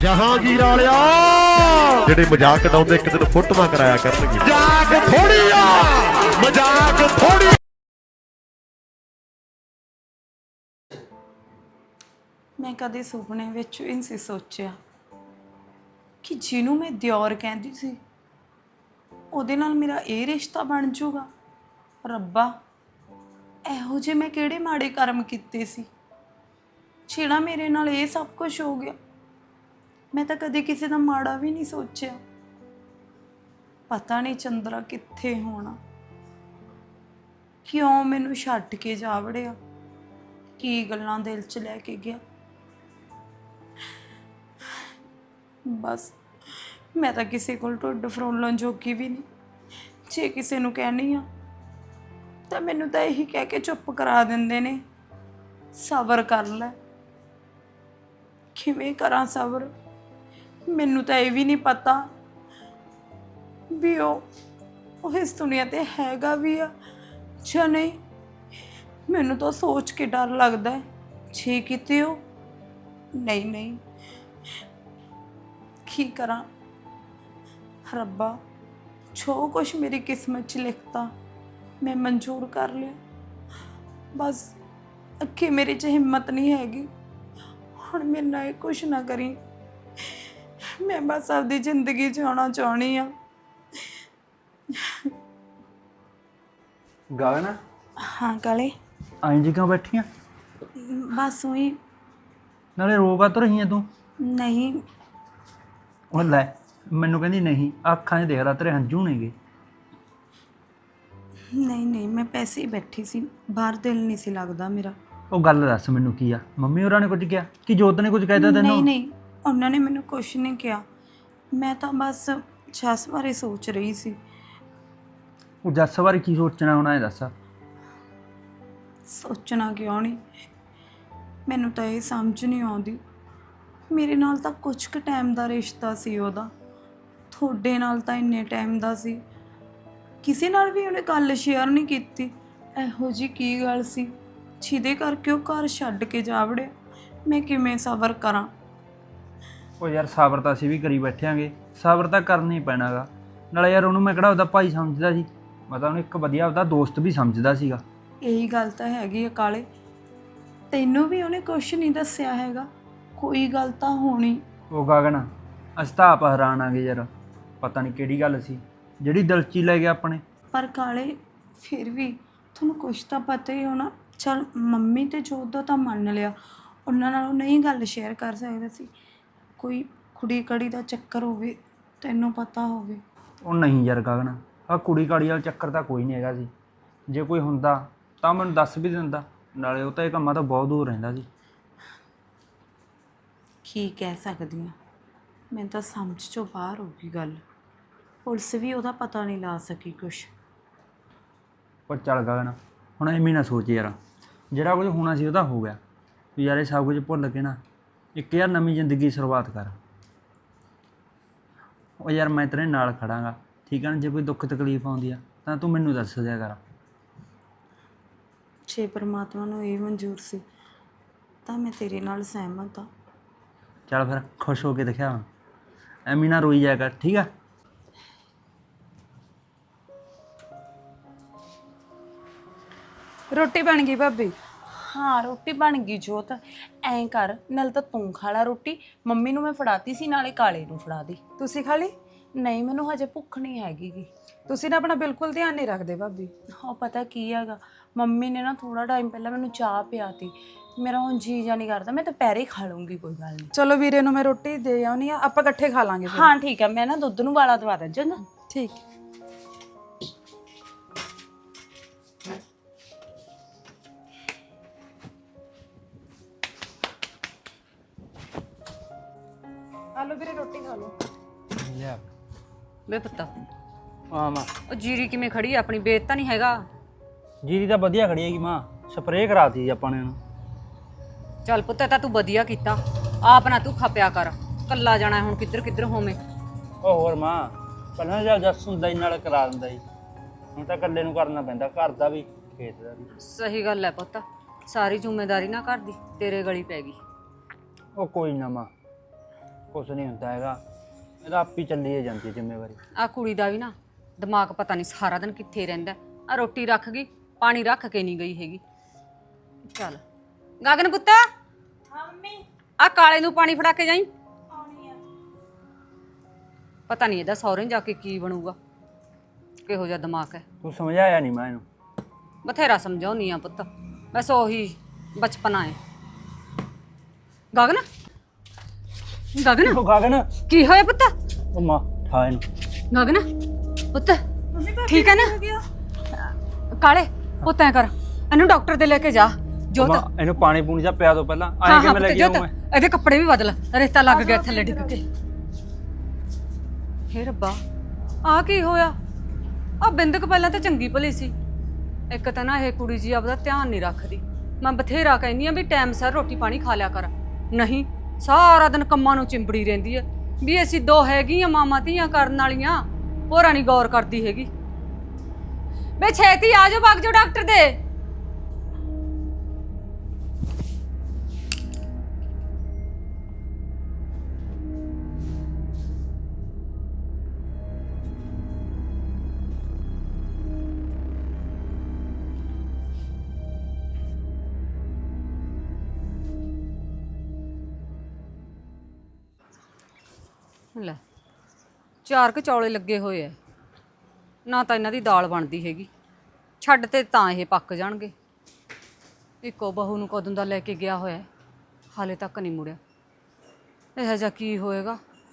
ਜਹਾਂਗੀਰ ਵਾਲਿਆ ਜਿਹੜੇ ਮਜ਼ਾਕ ਉਡਾਉਂਦੇ ਇੱਕ ਦਿਨ ਫੋਟੋਆਂ ਕਰਾਇਆ ਕਰਨਗੇ। ਮਜ਼ਾਕ ਥੋੜੀ ਆ, ਮਜ਼ਾਕ ਥੋੜੀ। ਮੈਂ ਕਦੇ ਸੁਪਨੇ ਵਿੱਚ ਵੀ ਨਹੀਂ ਸੋਚਿਆ ਕਿ ਜਿਹਨੂੰ ਮੈਂ ਦਿਓਰ ਕਹਿੰਦੀ ਸੀ ਉਹਦੇ ਨਾਲ ਮੇਰਾ ਇਹ ਰਿਸ਼ਤਾ ਬਣ ਜਾਊਗਾ। ਰੱਬਾ, ਇਹੋ ਜਿਹੇ ਮੈਂ ਕਿਹੜੇ ਮਾੜੇ ਕਰਮ ਕੀਤੇ ਸੀ ਜਿਹੜਾ ਮੇਰੇ ਨਾਲ ਇਹ ਸਭ ਕੁਝ ਹੋ ਗਿਆ। ਮੈਂ ਤਾਂ ਕਦੇ ਕਿਸੇ ਦਾ ਮਾੜਾ ਵੀ ਨਹੀਂ ਸੋਚਿਆ। ਪਤਾ ਨਹੀਂ ਚੰਦਰਾ ਕਿੱਥੇ ਹੋਣਾ, ਕਿਉਂ ਮੈਨੂੰ ਛੱਡ ਕੇ ਜਾ ਵੜਿਆ, ਕੀ ਗੱਲਾਂ ਦਿਲ 'ਚ ਲੈ ਕੇ ਗਿਆ। ਬਸ ਮੈਂ ਤਾਂ ਕਿਸੇ ਕੋਲ ਢੁੱਡ ਫਰੋਲਣ ਜੋਗੀ ਵੀ ਨਹੀਂ। ਜੇ ਕਿਸੇ ਨੂੰ ਕਹਿਣੀ ਆ ਤਾਂ ਮੈਨੂੰ ਤਾਂ ਇਹੀ ਕਹਿ ਕੇ ਚੁੱਪ ਕਰਾ ਦਿੰਦੇ ਨੇ, ਸਬਰ ਕਰ ਲੈ। ਕਿਵੇਂ ਕਰਾਂ ਸਬਰ? ਮੈਨੂੰ ਤਾਂ ਇਹ ਵੀ ਨਹੀਂ ਪਤਾ ਵੀ ਉਹ ਇਸ ਦੁਨੀਆ ਤੇ ਹੈਗਾ ਵੀ ਆ ਜਾਂ ਨਹੀਂ। ਮੈਨੂੰ ਤਾਂ ਸੋਚ ਕੇ ਡਰ ਲੱਗਦਾ ਹੈ, ਜੇ ਕਿਤੇ ਉਹ ਨਹੀਂ। ਕੀ ਕਰਾਂ ਰੱਬਾ, ਜੋ ਕੁਛ ਮੇਰੀ ਕਿਸਮਤ 'ਚ ਲਿਖਤਾ ਮੈਂ ਮਨਜ਼ੂਰ ਕਰ ਲਿਆ। ਬਸ ਅੱਗੇ ਮੇਰੇ 'ਚ ਹਿੰਮਤ ਨਹੀਂ ਹੈਗੀ। ਹੁਣ ਮੇਰੇ ਨਾਲ ਇਹ ਕੁਛ ਨਾ ਕਰੀ। ਮੈਂ ਬਸ ਆਪਦੀ ਜ਼ਿੰਦਗੀ ਜਿਉਣਾ ਚਾਹੁੰਦੀ ਆ। ਗਗਨ, ਹਾਂ ਕਾਲੇ, ਆਈ ਜੀ ਕਿਉਂ ਬੈਠੀ ਆ? ਬਸ ਉਹੀ। ਨਾਲੇ ਰੋਗਾ ਤਾਂ ਰਹੀ ਆ ਤੂੰ? ਨਹੀਂ ਉਹ ਲੈ, ਮੈਨੂੰ ਕਹਿੰਦੀ ਨਹੀਂ, ਅੱਖਾਂ 'ਚ ਦੇਖ ਲਾ ਤੇਰੇ ਹੰਝੂ ਨੇਗੇ। ਨਹੀਂ ਮੈਂ ਪੈਸੇ ਹੀ ਬੈਠੀ ਸੀ, ਬਾਹਰ ਦਿਲ ਨਹੀਂ ਸੀ ਲੱਗਦਾ ਮੇਰਾ। ਉਹ ਗੱਲ ਦੱਸ ਮੈਨੂੰ ਕੀ ਆ? ਮੰਮੀ ਹੋਰਾਂ ਨੇ ਕੁਝ ਕਿਹਾ ਕਿ ਜੋਤ ਨੇ ਕੁਝ ਕਹਿਤਾ ਤੈਨੂੰ? ਨਹੀਂ ਉਹਨਾਂ ਨੇ ਮੈਨੂੰ ਕੁਛ ਨਹੀਂ ਕਿਹਾ। ਮੈਂ ਤਾਂ ਬਸ ਜੱਸ ਬਾਰੇ ਸੋਚ ਰਹੀ ਸੀ। ਉਹ ਜੱਸ ਬਾਰੇ ਕੀ ਸੋਚਣਾ ਹੋਣਾ ਇਹ ਦੱਸ। ਸੋਚਣਾ ਕਿਉਂ ਨਹੀਂ, ਮੈਨੂੰ ਤਾਂ ਇਹ ਸਮਝ ਨਹੀਂ ਆਉਂਦੀ। ਮੇਰੇ ਨਾਲ ਤਾਂ ਕੁਝ ਕੁ ਟਾਈਮ ਦਾ ਰਿਸ਼ਤਾ ਸੀ ਉਹਦਾ, ਤੁਹਾਡੇ ਨਾਲ ਤਾਂ ਇੰਨੇ ਟਾਈਮ ਦਾ ਸੀ। ਕਿਸੇ ਨਾਲ ਵੀ ਉਹਨੇ ਗੱਲ ਸ਼ੇਅਰ ਨਹੀਂ ਕੀਤੀ। ਇਹੋ ਜਿਹੀ ਕੀ ਗੱਲ ਸੀ ਜਿਹਦੇ ਕਰਕੇ ਉਹ ਘਰ ਛੱਡ ਕੇ ਜਾ ਵੜਿਆ? ਮੈਂ ਕਿਵੇਂ ਸਬਰ ਕਰਾਂ? ਉਹ ਯਾਰ ਸਬਰ ਤਾਂ ਅਸੀਂ ਵੀ ਕਰੀ ਬੈਠਿਆਂਗੇ, ਸਬਰ ਤਾਂ ਕਰਨਾ ਹੀ ਪੈਣਾਗਾ। ਨਾਲੇ ਯਾਰ ਉਹਨੂੰ ਮੈਂ ਕਿਹੜਾ ਉਹਦਾ ਭਾਈ ਸਮਝਦਾ ਸੀ, ਮੈਂ ਤਾਂ ਉਹਨੂੰ ਇੱਕ ਵਧੀਆ ਉਹਦਾ ਦੋਸਤ ਵੀ ਸਮਝਦਾ ਸੀਗਾ। ਇਹੀ ਗੱਲ ਤਾਂ ਹੈਗੀ ਆ ਕਾਲੇ, ਤੈਨੂੰ ਵੀ ਉਹਨੇ ਕੁਛ ਨਹੀਂ ਦੱਸਿਆ ਹੈਗਾ? ਕੋਈ ਗੱਲ ਤਾਂ ਹੋਣੀ। ਉਹ ਗਗਨ, ਅਸੀਂ ਤਾਂ ਆਪ ਹੈਰਾਨ ਆਂਗੇ ਯਾਰ, ਪਤਾ ਨਹੀਂ ਕਿਹੜੀ ਗੱਲ ਸੀ ਜਿਹੜੀ ਦਿਲ 'ਚ ਹੀ ਲੈ ਗਿਆ ਆਪਣੇ। ਪਰ ਕਾਲੇ ਫਿਰ ਵੀ ਤੁਹਾਨੂੰ ਕੁਛ ਤਾਂ ਪਤਾ ਹੀ ਹੋਣਾ। ਚਲ ਮੰਮੀ ਤੇ ਜੋਤ ਦਾ ਤਾਂ ਮੰਨ ਲਿਆ, ਉਹਨਾਂ ਨਾਲ ਉਹ ਨਹੀਂ ਗੱਲ ਸ਼ੇਅਰ ਕਰ ਸਕਦਾ ਸੀ। ਕੋਈ ਕੁੜੀ ਕੜੀ ਦਾ ਚੱਕਰ ਹੋਵੇ, ਤੈਨੂੰ ਪਤਾ ਹੋਵੇ। ਉਹ ਨਹੀਂ ਯਾਰ ਗਗਨ, ਆਹ ਕੁੜੀ ਕਾੜੀ ਵਾਲਾ ਚੱਕਰ ਤਾਂ ਕੋਈ ਨਹੀਂ ਹੈਗਾ ਸੀ। ਜੇ ਕੋਈ ਹੁੰਦਾ ਤਾਂ ਮੈਨੂੰ ਦੱਸ ਵੀ ਦਿੰਦਾ। ਨਾਲੇ ਉਹ ਤਾਂ ਇਹ ਕੰਮਾਂ ਤੋਂ ਬਹੁਤ ਦੂਰ ਰਹਿੰਦਾ ਸੀ। ਕੀ ਕਹਿ ਸਕਦੀ ਹਾਂ, ਮੈਨੂੰ ਤਾਂ ਸਮਝ 'ਚੋਂ ਬਾਹਰ ਹੋ ਗਈ ਗੱਲ। ਪੁਲਿਸ ਵੀ ਉਹਦਾ ਪਤਾ ਨਹੀਂ ਲਾ ਸਕੀ ਕੁਛ। ਪਰ ਚੱਲ ਗਗਨ, ਹੁਣ ਐਵੇਂ ਨਾ ਸੋਚ ਯਾਰ, ਜਿਹੜਾ ਕੁਝ ਹੋਣਾ ਸੀ ਉਹ ਤਾਂ ਹੋ ਗਿਆ। ਤੂੰ ਯਾਰ ਇਹ ਸਭ ਕੁਝ ਭੁੱਲ ਕੇ ਨਾ ਇੱਕ ਯਾਰ ਨਵੀਂ ਜ਼ਿੰਦਗੀ ਦੀ ਸ਼ੁਰੂਆਤ ਕਰ। ਉਹ ਯਾਰ ਮੈਂ ਤੇਰੇ ਨਾਲ ਖੜਾਂਗਾ, ਠੀਕ ਹੈ ਨਾ? ਜੇ ਕੋਈ ਦੁੱਖ ਤਕਲੀਫ ਆਉਂਦੀ ਆ ਤਾਂ ਤੂੰ ਮੈਨੂੰ ਦੱਸ ਦਿਆ ਕਰ। ਜੇ ਪਰਮਾਤਮਾ ਨੂੰ ਇਹ ਮਨਜ਼ੂਰ ਸੀ ਤਾਂ ਮੈਂ ਤੇਰੇ ਨਾਲ ਸਹਿਮਤ ਹਾਂ। ਚੱਲ ਫਿਰ ਖੁਸ਼ ਹੋ ਕੇ ਦਿਖਾ, ਹੁਣ ਐਵੇਂ ਨਾ ਰੋਈ ਜਾਇਆ ਕਰ, ਠੀਕ ਆ? ਰੋਟੀ ਬਣ ਗਈ ਭਾਬੀ? ਹਾਂ ਰੋਟੀ ਬਣ ਗਈ ਜੋਤ। ਐਂ ਕਰ, ਨਾਲ ਤਾਂ ਤੂੰ ਖਾ ਲਾ ਰੋਟੀ, ਮੰਮੀ ਨੂੰ ਮੈਂ ਫੜਾਤੀ ਸੀ, ਨਾਲੇ ਕਾਲੇ ਨੂੰ ਫੜਾ ਦੇ। ਤੁਸੀਂ ਖਾ ਲਈ? ਨਹੀਂ ਮੈਨੂੰ ਹਜੇ ਭੁੱਖ ਨਹੀਂ ਹੈਗੀ ਗੀ। ਤੁਸੀਂ ਨਾ ਆਪਣਾ ਬਿਲਕੁਲ ਧਿਆਨ ਨਹੀਂ ਰੱਖਦੇ ਭਾਬੀ। ਉਹ ਪਤਾ ਕੀ ਹੈਗਾ, ਮੰਮੀ ਨੇ ਨਾ ਥੋੜਾ ਟਾਈਮ ਪਹਿਲਾਂ ਮੈਨੂੰ ਚਾਹ ਪਿਆਤੀ, ਮੇਰਾ ਹੁਣ ਜੀ ਜਾ ਨਹੀਂ ਕਰਦਾ। ਮੈਂ ਦੁਪਹਿਰੇ ਖਾ ਲੂੰਗੀ, ਕੋਈ ਗੱਲ ਨਹੀਂ। ਚਲੋ ਵੀਰੇ ਨੂੰ ਮੈਂ ਰੋਟੀ ਦੇ ਆਉਣੀ ਆ, ਆਪਾਂ ਇਕੱਠੇ ਖਾ ਲਾਂਗੇ ਫਿਰ। ਹਾਂ ਠੀਕ ਹੈ, ਮੈਂ ਨਾ ਦੁੱਧ ਨੂੰ ਵਾਲਾ ਦਵਾ ਦਾਂ ਚੰਗਾ। ਠੀਕ। ਆਲੋ ਵੀਰੇ ਰੋਟੀ ਖਾ ਲਓ। ਲਿਆ ਵੇ ਪੁੱਤ, ਹਾਂ ਮਾਂ। ਉਹ ਜੀਰੀ ਕਿਵੇਂ ਖੜੀ ਆ? ਆਪਣੀ ਵੇਚ ਤਾਂ ਨਹੀਂ ਹੈਗਾ? ਜੀਰੀ ਤਾਂ ਵਧੀਆ ਖੜੀ ਹੈਗੀ ਮਾਂ, ਸਪਰੇਅ ਕਰਾਤੀ ਜੀ ਆਪਾਂ ਨੇ ਉਹਨੂੰ। ਚੱਲ ਪੁੱਤ, ਤਾਂ ਤੂੰ ਵਧੀਆ ਕੀਤਾ। ਆਪ ਨਾ ਤੂੰ ਖਪਿਆ ਕਰ, ਕੱਲਾ ਜਾਣਾ ਹੁਣ ਕਿੱਧਰ ਕਿੱਧਰ ਹੋਵੇਂ। ਉਹ ਹੋਰ ਮਾਂ, ਪਹਿਲਾਂ ਜਦ ਜੱਸ ਹੁੰਦਾ ਜੀ ਨਾਲ ਕਰਾ ਦਿੰਦਾ ਜੀ, ਹੁਣ ਤਾਂ ਇਕੱਲੇ ਨੂੰ ਕਰਨਾ ਪੈਂਦਾ, ਘਰ ਦਾ ਵੀ ਖੇਤ ਦਾ ਵੀ। ਸਹੀ ਗੱਲ ਹੈ ਪੁੱਤ, ਸਾਰੀ ਜ਼ਿੰਮੇਵਾਰੀ ਨਾ ਘਰ ਦੀ ਤੇਰੇ ਗਲੀ ਪੈ ਗਈ। ਉਹ ਕੋਈ ਨਾ ਮਾਂ, ਕੁਛ ਨਹੀਂ ਹੁੰਦਾ ਹੈਗਾ, ਇਹਦਾ ਆਪ ਹੀ ਚੱਲੀ ਹੀ ਜਾਂਦੀ ਜ਼ਿੰਮੇਵਾਰੀ। ਆ ਕੁੜੀ ਦਾ ਵੀ ਨਾ ਦਿਮਾਗ ਪਤਾ ਨਹੀਂ ਸਾਰਾ ਦਿਨ ਕਿੱਥੇ ਰਹਿੰਦਾ। ਆ ਰੋਟੀ ਰੱਖ ਗਈ, ਪਾਣੀ ਰੱਖ ਕੇ ਨਹੀਂ ਗਈ ਹੈਗੀ। ਚੱਲ ਗਗਨ ਪੁੱਤ, ਹਾਂ ਮੰਮੀ, ਆ ਕਾਲੇ ਨੂੰ ਪਾਣੀ ਫੜਾ ਕੇ ਜਾਈਂ। ਪਤਾ ਨਹੀਂ ਇਹਦਾ ਸਹੁਰੇ ਜਾ ਕੇ ਕੀ ਬਣੂਗਾ, ਕਿਹੋ ਜਿਹਾ ਦਿਮਾਗ ਹੈ। ਤੂੰ ਸਮਝਾਇਆ ਨਹੀਂ ਮੈਂ ਇਹਨੂੰ। ਬਥੇਰਾ ਸਮਝਾਉਣੀ ਆ ਪੁੱਤ, ਬਸ ਉਹੀ ਬਚਪਨਾ ਹੈ। ਗਗਨ ਗਗਨ ਉਹ ਗਗਨ, ਕੀ ਹੋਇਆ ਪੁੱਤ? ਉਹ ਮਾਂ ਠਾ ਇਹਨੂੰ। ਗਗਨ ਪੁੱਤ ਠੀਕ ਹੈ ਨਾ? ਕਾਲੇ ਪੁੱਤ ਐ ਕਰ, ਇਹਨੂੰ ਡਾਕਟਰ ਦੇ ਲੈ ਕੇ ਜਾ। ਜੋਤ, ਮਾਂ ਇਹਨੂੰ ਪਾਣੀ ਪੂਣੀ ਜਾ ਪਿਆ ਦੋ ਪਹਿਲਾਂ। ਹਾਂ ਆਏ ਕਿ ਹਾਂ ਮੈਂ ਲੈ ਪੁੱਤ, ਕੇ ਆਊਂ ਜੋਤ ਮੈਂ? ਇਹਦੇ ਕੱਪੜੇ ਵੀ ਬਦਲ, ਰੇਤਾ ਲੱਗ ਗਿਆ ਥੱਲੇ ਡਿੱਗ ਕੇ। ਹੇ ਰੱਬਾ, ਆ ਕੀ ਹੋਇਆ? ਆ ਬਿੰਦਕ ਪਹਿਲਾਂ ਤਾਂ ਚੰਗੀ ਭਲੀ ਸੀ, ਇੱਕ ਤਾਂ ਨਾ ਇਹ ਕੁੜੀ ਜੀ ਆਪਦਾ ਧਿਆਨ ਨਹੀਂ ਰੱਖਦੀ। ਮੈਂ ਬਥੇਰਾ ਕਹਿੰਦੀ ਆ ਵੀ ਟਾਈਮ ਸਿਰ ਰੋਟੀ ਪਾਣੀ ਖਾ ਲਿਆ ਕਰ, ਨਹੀਂ ਸਾਰਾ ਦਿਨ ਕੰਮਾਂ ਨੂੰ ਚਿੰਬੜੀ ਰਹਿੰਦੀ ਹੈ ਵੀ ਅਸੀਂ ਦੋ ਹੈਗੀਆਂ ਮਾਮਾ ਧੀਆਂ ਕਰਨ ਵਾਲੀਆਂ, ਹੋਰਾਂ ਨਹੀਂ ਗੌਰ ਕਰਦੀ ਹੈਗੀ। ਬੇ ਛੇਤੀ ਆ ਜਾਓ, ਵਗ ਜਾਓ ਡਾਕਟਰ ਦੇ। ਲੈ 4 ਕੁ ਚੌਲੇ ਲੱਗੇ ਹੋਏ ਐ, ਨਾ ਤਾਂ ਇਹਨਾਂ ਦੀ ਦਾਲ ਬਣਦੀ ਹੈਗੀ, ਛੱਡ ਤੇ ਤਾਂ ਇਹ ਪੱਕ ਜਾਣਗੇ। ਇੱਕੋ ਬਹੂ ਨੂੰ ਕਦੋਂ ਦਾ ਲੈ ਕੇ ਗਿਆ ਹੋਇਆ, ਹਾਲੇ ਤੱਕ ਨਹੀਂ ਮੁੜਿਆ। ਇਹੋ ਜਿਹਾ ਕੀ ਹੋਏਗਾ,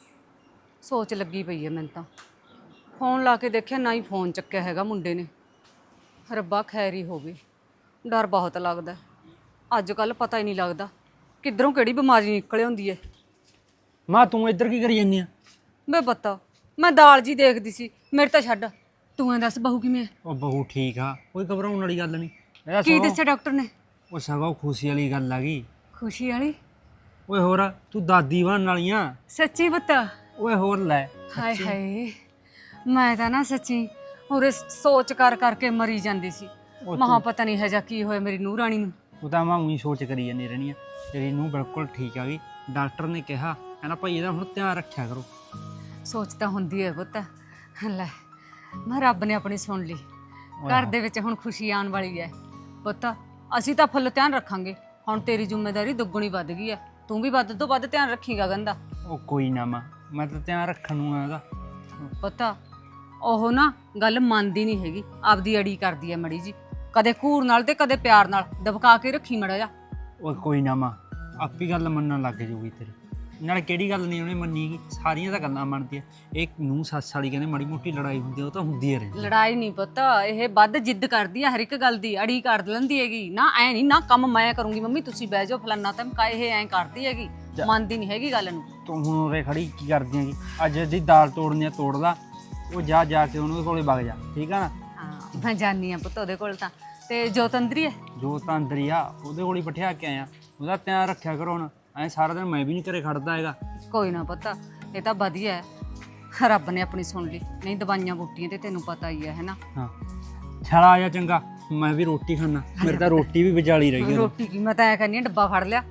ਸੋਚ ਲੱਗੀ ਪਈ ਹੈ ਮੈਨੂੰ ਤਾਂ। ਫੋਨ ਲਾ ਕੇ ਦੇਖਿਆ, ਨਾ ਹੀ ਫੋਨ ਚੱਕਿਆ ਹੈਗਾ ਮੁੰਡੇ ਨੇ। ਰੱਬਾ ਖੈਰ ਹੀ ਹੋਵੇ, ਡਰ ਬਹੁਤ ਲੱਗਦਾ। ਅੱਜ ਕੱਲ੍ਹ ਪਤਾ ਹੀ ਨਹੀਂ ਲੱਗਦਾ ਕਿੱਧਰੋਂ ਕਿਹੜੀ ਬਿਮਾਰੀ ਨਿਕਲ ਆਉਂਦੀ ਹੈ। ਮਾਂ ਤੂੰ ਇੱਧਰ ਕੀ ਕਰੀ ਜਾਂਦੀ ਆ? ਬੇ ਪਤਾ, ਮੈਂ ਦਾਲ ਜੀ ਦੇਖਦੀ ਸੀ, ਮੇਰੇ ਤਾਂ ਛੱਡ। ਤੂੰ ਐਂ ਦੱਸ ਬਹੂ ਕਿਵੇਂ? ਉਹ ਬਹੂ ਠੀਕ ਆ, ਕੋਈ ਘਬਰਾਉਣ ਵਾਲੀ ਗੱਲ ਨਹੀਂ। ਇਹਦਾ ਕੀ ਸਗੋਂ- ਦੱਸਿਆ ਡਾਕਟਰ ਨੇ? ਉਹ ਸਗੋਂ ਖੁਸ਼ੀ ਵਾਲੀ ਗੱਲ ਆ ਗਈ। ਖੁਸ਼ੀ ਵਾਲੀ? ਓਏ ਹੋਰ ਤੂੰ ਦਾਦੀ ਬਣਨ ਵਾਲੀ ਆ। ਸੱਚੀ ਪੁੱਤ? ਓਏ ਹੋਰ ਲੈ, ਹਾਏ ਹਾਏ, ਮੈਂ ਤਾਂ ਨਾ ਸੱਚੀ ਉਰੇ ਸੋਚ ਕਰ ਕਰਕੇ ਮਰੀ ਜਾਂਦੀ ਸੀ। ਮਹਾ ਪਤਾ ਨਹੀਂ ਹੈ ਜਾਂ ਕੀ ਹੋਇਆ ਮੇਰੀ ਨੂੰਹ ਰਾਣੀ ਨੂੰ। ਉਹ ਤਾਂ ਮੈਂ ਉਹੀ ਸੋਚ ਕਰੀ ਜਾਂਦੀ ਰਹਿਣੀ ਆ। ਤੇਰੀ ਨੂੰ ਬਿਲਕੁਲ ਠੀਕ ਆ ਗਈ। ਡਾਕਟਰ ਨੇ ਕਿਹਾ, ਕਹਿੰਦਾ ਭਾਈ ਇਹਦਾ ਹੁਣ ਧਿਆਨ ਰੱਖਿਆ ਕਰੋ। ਸੋਚ ਤਾਂ ਹੁੰਦੀ ਹੈ ਪੁੱਤ। ਲੈ ਮੈਂ ਰੱਬ ਨੇ ਆਪਣੀ ਸੁਣ ਲਈ, ਘਰ ਦੇ ਵਿੱਚ ਹੁਣ ਖੁਸ਼ੀ ਆਉਣ ਵਾਲੀ ਹੈ ਪੁੱਤ। ਅਸੀਂ ਤਾਂ ਫੁੱਲ ਧਿਆਨ ਰੱਖਾਂਗੇ। ਹੁਣ ਤੇਰੀ ਜ਼ਿੰਮੇਵਾਰੀ ਦੁੱਗਣੀ ਵੱਧ ਗਈ ਹੈ, ਤੂੰ ਵੀ ਵੱਧ ਤੋਂ ਵੱਧ ਧਿਆਨ ਰੱਖੀਗਾ ਗੰਦਾ। ਉਹ ਕੋਈ ਨਾ ਮਾਂ, ਮੈਂ ਤਾਂ ਧਿਆਨ ਰੱਖਣ ਨੂੰ ਆ ਇਹਦਾ। ਪਤਾ ਉਹ ਨਾ ਗੱਲ ਮੰਨਦੀ ਨਹੀਂ ਹੈਗੀ, ਆਪਦੀ ਅੜੀ ਕਰਦੀ ਹੈ ਮੜੀ ਜੀ, ਕਦੇ ਘੂਰ ਨਾਲ ਤੇ ਕਦੇ ਪਿਆਰ ਨਾਲ। ਦਬਕਾ ਕੇ ਰੱਖੀ ਮੜਾ ਜਾ। ਉਹ ਕੋਈ ਨਾ ਮਾਂ, ਆਪੀ ਗੱਲ ਮੰਨਣ ਲੱਗ ਜਾਊਗੀ ਤੇਰੀ। ਨਾਲ ਕਿਹੜੀ ਗੱਲ ਨਹੀਂ ਉਹਨੇ ਮੰਨੀਗੀ, ਸਾਰੀਆਂ ਤਾਂ ਗੱਲਾਂ ਮੰਨਦੀ ਆ। ਇਹ ਨੂੰ ਸੱਸ ਵਾਲੀ ਕਹਿੰਦੇ ਮਾੜੀ ਮੋਟੀ ਲੜਾਈ ਹੁੰਦੀ ਆ, ਉਹ ਤਾਂ ਹੁੰਦੀ ਆ ਰਹਿੰਦੀ। ਲੜਾਈ ਨਹੀਂ ਪੁੱਤ, ਇਹ ਵੱਧ ਜਿੱਦ ਕਰਦੀ ਆ ਹਰ ਇੱਕ ਗੱਲ ਦੀ, ਅੜੀ ਕਰ ਲੈਂਦੀ ਹੈਗੀ। ਨਾ ਐ ਨਹੀਂ, ਨਾ ਕੰਮ ਮੈਂ ਕਰੂੰਗੀ ਮੰਮੀ ਤੁਸੀਂ ਬਹਿ ਜਾਓ ਫਲਾਨਾ ਧਮਕਾ, ਇਹ ਐਂ ਕਰਦੀ ਹੈਗੀ, ਮੰਨਦੀ ਨਹੀਂ ਹੈਗੀ ਗੱਲ ਨੂੰ। ਤੂੰ ਹੁਣ ਉਰੇ ਖੜੀ ਕੀ ਕਰਦੀ ਹੈਗੀ? ਅੱਜ ਦੀ ਦਾਲ ਤੋੜਨੀ ਆ ਤੋੜ ਲਾ, ਉਹ ਜਾ ਕੇ ਉਹਨੂੰ ਕੋਲੇ ਵਗ ਜਾ, ਠੀਕ ਆ ਨਾ? ਹਾਂ ਮੈਂ ਜਾਣੀ ਆ ਪੁੱਤ ਉਹਦੇ ਕੋਲ ਤਾਂ। ਤੇ ਜੋਤ ਅੰਦਰ ਹੀ ਹੈ? ਜੋ ਤਾਂ ਅੰਦਰ ਹੀ ਆ, ਉਹਦੇ ਕੋਲ ਹੀ ਬਿਠਾ ਕੇ ਆਇਆ। ਉਹਦਾ ਧਿਆਨ ਰੱਖਿਆ ਕਰੋ ਹੁਣ, ਐਂ ਸਾਰਾ ਦਿਨ ਮੈਂ ਵੀ ਨਹੀਂ ਘਰੇ ਖੜਦਾ ਹੈਗਾ। ਕੋਈ ਨਾ ਪੁੱਤ, ਇਹ ਤਾਂ ਵਧੀਆ ਹੈ, ਰੱਬ ਨੇ ਆਪਣੀ ਸੁਣ ਲਈ। ਨਹੀਂ ਦਵਾਈਆਂ ਬੂਟੀਆਂ ਤੇ ਤੈਨੂੰ ਪਤਾ ਹੀ ਹੈ ਨਾ। ਹਾਂ ਚੱਲ ਆ ਜਾ, ਚੰਗਾ ਮੈਂ ਵੀ ਰੋਟੀ ਖਾਣਾ। ਮੇਰੇ ਤਾਂ ਰੋਟੀ ਵੀ ਵਿਚਾਲੀ ਰਹੀ ਹੈ। ਰੋਟੀ ਕੀ, ਮੈਂ ਤਾਂ ਐ ਕਹਿੰਦੀ ਆ ਡੱਬਾ ਫੜ ਲਿਆ।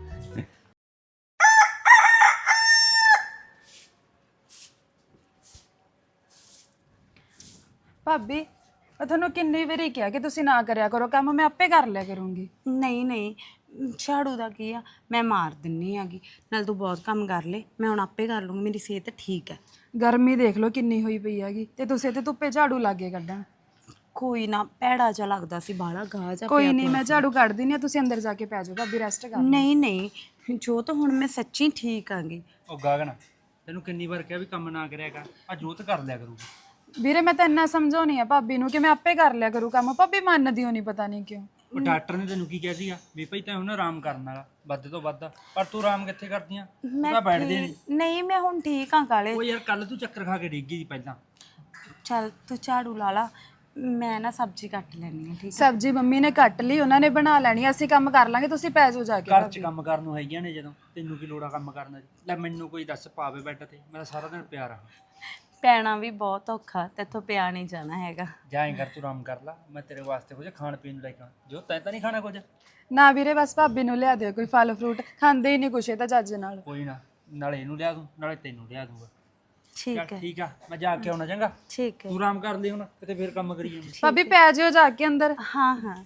ਭਾਬੀ ਮੈਂ ਤੁਹਾਨੂੰ ਕਿੰਨੀ ਵਾਰੀ ਕਿਹਾ ਕਿ ਤੁਸੀਂ ਨਾ ਕਰਿਆ ਕਰੋ ਕੰਮ, ਮੈਂ ਆਪੇ ਕਰ ਲਿਆ ਕਰੂੰਗੀ। ਨਹੀਂ ਨਹੀਂ, ਝਾੜੂ ਦਾ ਕੀ ਆ, ਮੈਂ ਮਾਰ ਦਿੰਨੀ ਆਗੀ। ਨਾਲ ਤੂੰ ਬਹੁਤ ਕੰਮ ਕਰ ਲੈ, ਮੈਂ ਹੁਣ ਆਪੇ ਕਰ ਲੂੰਗੀ, ਮੇਰੀ ਸਿਹਤ ਠੀਕ ਹੈ। ਗਰਮੀ ਦੇਖ ਲਓ ਕਿੰਨੀ ਹੋਈ ਪਈ ਹੈਗੀ, ਤੇ ਤੁਸੀਂ ਤੇ ਧੁੱਪੇ ਝਾੜੂ ਲਾਗੇ ਕੱਢਣ। ਕੋਈ ਨਾ, ਭੈੜਾ ਜਿਹਾ ਲੱਗਦਾ ਸੀ, ਬਾਹਲਾ ਗਾਹ ਜਾ ਕੋਈ ਨਹੀਂ, ਮੈਂ ਝਾੜੂ ਕੱਢ ਦਿੰਦੀ ਆ, ਤੁਸੀਂ ਅੰਦਰ ਜਾ ਕੇ ਪੈ ਜਾਓ ਭਾਬੀ, ਰੈਸਟ ਕਰ। ਨਹੀਂ ਨਹੀਂ ਜੋਤ, ਹੁਣ ਮੈਂ ਸੱਚੀ ਠੀਕ ਆਂਗੀ। ਉਹ ਗਗਨ, ਤੈਨੂੰ ਕਿੰਨੀ ਵਾਰ ਕਿਹਾ ਵੀ ਕੰਮ ਨਾ ਕਰਿਆ ਕਰ, ਆ ਜੋਤ ਕਰ ਲਿਆ ਕਰੂਗੀ। ਵੀਰੇ ਮੈਂ ਤਾਂ ਇੰਨਾ ਸਮਝਾਉਣੀ ਆ ਭਾਬੀ ਨੂੰ ਕਿ ਮੈਂ ਆਪੇ ਕਰ ਲਿਆ ਕਰੂ ਕੰਮ, ਭਾਬੀ ਮੰਨਦੀ ਹੋ ਨਹੀਂ, ਪਤਾ ਨਹੀਂ ਕਿਉਂ। ਉਹ ਡਾਕਟਰ ਨੇ ਤੈਨੂੰ ਕੀ ਕਿਹਾ ਸੀਗਾ ਵੀ ਭਾਈ ਤੈਨੂੰ ਨਾ ਆਰਾਮ ਕਰਨ ਵਾਲਾ ਵੱਧ ਤੋਂ ਵੱਧ, ਪਰ ਤੂੰ ਆਰਾਮ ਕਿੱਥੇ ਕਰਦੀ ਆ? ਤੂੰ ਤਾਂ ਬੈਠਦੀ ਨਹੀਂ। ਨਹੀਂ ਮੈਂ ਹੁਣ ਠੀਕ ਆਂ ਕਾਲੇ। ਉਹ ਯਾਰ ਕੱਲ ਤੂੰ ਚੱਕਰ ਖਾ ਕੇ ਡਿੱਗ ਗਈ ਸੀ ਪਹਿਲਾਂ। ਚੱਲ ਤੂੰ ਝਾੜੂ ਲਾ ਲਾ, ਮੈਂ ਨਾ ਸਬਜ਼ੀ ਕੱਟ ਲੈਣੀ ਆ, ਠੀਕ ਹੈ? ਸਬਜ਼ੀ ਮੰਮੀ ਨੇ ਕੱਟ ਲਈ, ਉਹਨਾਂ ਨੇ ਬਣਾ ਲੈਣੀ, ਅਸੀਂ ਕੰਮ ਕਰ ਲਾਂਗੇ, ਤੁਸੀਂ ਪੈ ਜਾਓ ਜਾ ਕੇ। ਘਰ 'ਚ ਕੰਮ ਕਰਨ ਨੂੰ ਹੈਗੀਆਂ ਨੇ, ਜਦੋਂ ਤੈਨੂੰ ਕੀ ਲੋੜਾ ਕੰਮ ਕਰਨ ਦੀ? ਲੈ ਮੈਨੂੰ ਕੋਈ ਦੱਸ ਪਾਵੇ ਬੈੱਡ ਤੇ, ਮੈਂ ਤਾਂ ਸਾਰਾ ਦਿਨ ਪਿਆ ਰਹਾ। ਪੈਣਾ ਵੀ ਬਹੁਤ ਔਖਾ, ਤੇਥੋਂ ਪਿਆ ਨਹੀਂ ਜਾਣਾ ਹੈਗਾ। ਜਾਏਂ ਕਰ, ਤੂੰ ਆਰਾਮ ਕਰ ਲਾ, ਮੈਂ ਤੇਰੇ ਵਾਸਤੇ ਕੁਝ ਖਾਣ ਪੀਣ ਨੂੰ ਲੈ ਕੇ ਆਉਣਾ। ਜੋ ਤੈਂ ਤਾਂ ਨਹੀਂ ਖਾਣਾ ਕੁਝ? ਨਾ ਵੀਰੇ, ਬਸ ਭਾਬੀ ਨੂੰ ਲਿਆ ਦਿਓ ਕੋਈ ਫਲ ਫਰੂਟ, ਖਾਂਦੇ ਹੀ ਨਹੀਂ ਕੁਛ ਇਹ ਤਾਂ ਚੱਜ ਨਾਲ। ਕੋਈ ਨਾ, ਨਾਲੇ ਇਹਨੂੰ ਲਿਆ ਦੂੰ ਨਾਲੇ ਤੈਨੂੰ ਲਿਆ ਦੂੰਗਾ। ਠੀਕ ਚੱਲ ਹੈ ਠੀਕ ਆ, ਮੈਂ ਜਾ ਕੇ ਆਉਣਾ ਚੰਗਾ। ਠੀਕ ਹੈ ਤੂੰ ਆਰਾਮ ਕਰ ਲਈ ਹੁਣ, ਕਿਤੇ ਫੇਰ ਕੰਮ ਕਰੀ ਜਾਈਂ। ਭਾਬੀ ਪੈ ਜਿਓ ਜਾ ਕੇ ਅੰਦਰ। ਹਾਂ ਹਾਂ।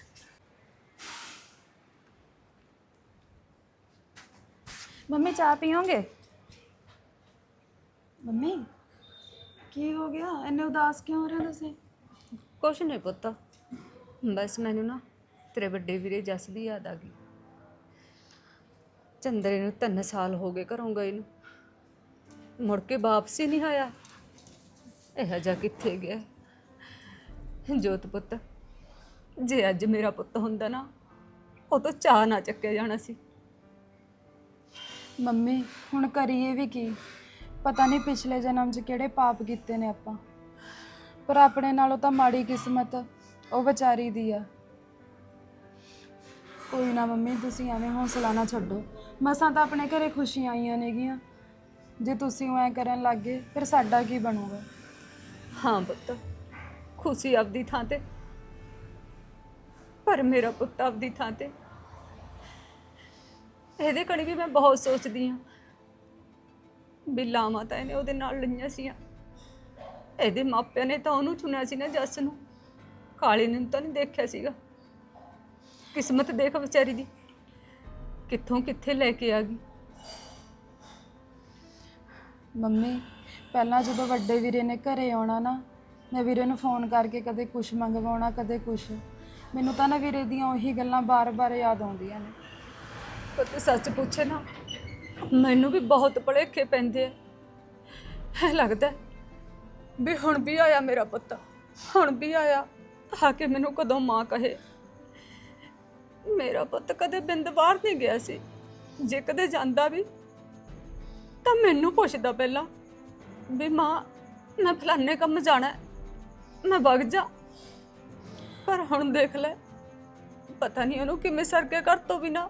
ਮੰਮੀ ਚਾਹ ਪੀਓਗੇ? ਮੰਮੀ ਕੀ ਹੋ ਗਿਆ, ਇੰਨੇ ਉਦਾਸ ਕਿਉਂ ਹੋ ਰਹੇ ਹੋ ਤੁਸੀਂ? ਕੁਛ ਨਹੀਂ ਪੁੱਤ, ਬਸ ਮੈਨੂੰ ਨਾ ਤੇਰੇ ਵੱਡੇ ਵੀਰੇ ਜੱਸ ਦੀ ਯਾਦ ਆ ਗਈ। ਚੰਦਰੇ ਨੂੰ 3 ਸਾਲ ਹੋ ਗਏ ਘਰੋਂ ਗਏ ਨੂੰ, ਮੁੜ ਕੇ ਵਾਪਸ ਹੀ ਨਹੀਂ ਆਇਆ। ਇਹ ਜਾ ਕਿੱਥੇ ਗਿਆ ਜੋਤ ਪੁੱਤ? ਜੇ ਅੱਜ ਮੇਰਾ ਪੁੱਤ ਹੁੰਦਾ ਨਾ, ਉਹ ਤਾਂ ਚਾਹ ਨਾ ਚੱਕਿਆ ਜਾਣਾ ਸੀ। ਮੰਮੀ ਹੁਣ ਕਰੀਏ ਵੀ ਕੀ? ਪਤਾ ਨਹੀਂ ਪਿਛਲੇ ਜਨਮ 'ਚ ਕਿਹੜੇ ਪਾਪ ਕੀਤੇ ਨੇ ਆਪਾਂ, ਪਰ ਆਪਣੇ ਨਾਲੋਂ ਤਾਂ ਮਾੜੀ ਕਿਸਮਤ ਉਹ ਵਿਚਾਰੀ ਦੀ ਆ। ਕੋਈ ਨਾ ਮੰਮੀ, ਤੁਸੀਂ ਐਵੇਂ ਹੌਸਲਾ ਨਾ ਛੱਡੋ। ਮਸਾਂ ਤਾਂ ਆਪਣੇ ਘਰੇ ਖੁਸ਼ੀਆਂ ਆਈਆਂ ਨੇਗੀਆਂ, ਜੇ ਤੁਸੀਂ ਐਂ ਕਰਨ ਲੱਗ ਗਏ ਫਿਰ ਸਾਡਾ ਕੀ ਬਣੂਗਾ? ਹਾਂ ਪੁੱਤ, ਖੁਸ਼ੀ ਆਪਦੀ ਥਾਂ ਤੇ, ਪਰ ਮੇਰਾ ਪੁੱਤ ਆਪਦੀ ਥਾਂ ਤੇ। ਇਹਦੇ ਕਣੀ ਵੀ ਮੈਂ ਬਹੁਤ ਸੋਚਦੀ ਹਾਂ ਵੀ ਲਾਵਾਂ ਤਾਂ ਇਹਨੇ ਉਹਦੇ ਨਾਲ ਲਈਆਂ ਸੀਆਂ। ਇਹਦੇ ਮਾਪਿਆਂ ਨੇ ਤਾਂ ਉਹਨੂੰ ਚੁਣਿਆ ਸੀ ਨਾ, ਜੱਸ ਨੂੰ। ਕਾਲੇ ਨੂੰ ਤਾਂ ਨਹੀਂ ਦੇਖਿਆ ਸੀਗਾ। ਕਿਸਮਤ ਦੇਖ ਵਿਚਾਰੀ ਦੀ, ਕਿੱਥੋਂ ਕਿੱਥੇ ਲੈ ਕੇ ਆ ਗਈ। ਮੰਮੀ ਪਹਿਲਾਂ ਜਦੋਂ ਵੱਡੇ ਵੀਰੇ ਨੇ ਘਰੇ ਆਉਣਾ ਨਾ, ਮੈਂ ਵੀਰੇ ਨੂੰ ਫੋਨ ਕਰਕੇ ਕਦੇ ਕੁਛ ਮੰਗਵਾਉਣਾ ਕਦੇ ਕੁਛ, ਮੈਨੂੰ ਤਾਂ ਨਾ ਵੀਰੇ ਦੀਆਂ ਉਹੀ ਗੱਲਾਂ ਬਾਰ-ਬਾਰ ਯਾਦ ਆਉਂਦੀਆਂ ਨੇ। ਪਰ ਸੱਚ ਪੁੱਛੇ ਨਾ, ਮੈਨੂੰ ਵੀ ਬਹੁਤ ਭੁਲੇਖੇ ਪੈਂਦੇ ਆ। ਐ ਲੱਗਦਾ ਵੀ ਹੁਣ ਵੀ ਆਇਆ ਮੇਰਾ ਪੁੱਤ, ਹੁਣ ਵੀ ਆਇਆ, ਆ ਕੇ ਮੈਨੂੰ ਕਦੋਂ ਮਾਂ ਕਹੇ। ਮੇਰਾ ਪੁੱਤ ਕਦੇ ਬਿੰਦ ਬਾਹਰ ਨਹੀਂ ਗਿਆ ਸੀ। ਜੇ ਕਦੇ ਜਾਂਦਾ ਵੀ ਤਾਂ ਮੈਨੂੰ ਪੁੱਛਦਾ ਪਹਿਲਾਂ ਵੀ ਮਾਂ ਮੈਂ ਫਲਾਣੇ ਕੰਮ ਜਾਣਾ, ਮੈਂ ਵਗ ਜਾ। ਪਰ ਹੁਣ ਦੇਖ ਲੈ, ਪਤਾ ਨਹੀਂ ਉਹਨੂੰ ਕਿਵੇਂ ਸਰ ਕੇ ਘਰ ਤੋਂ ਬਿਨਾਂ।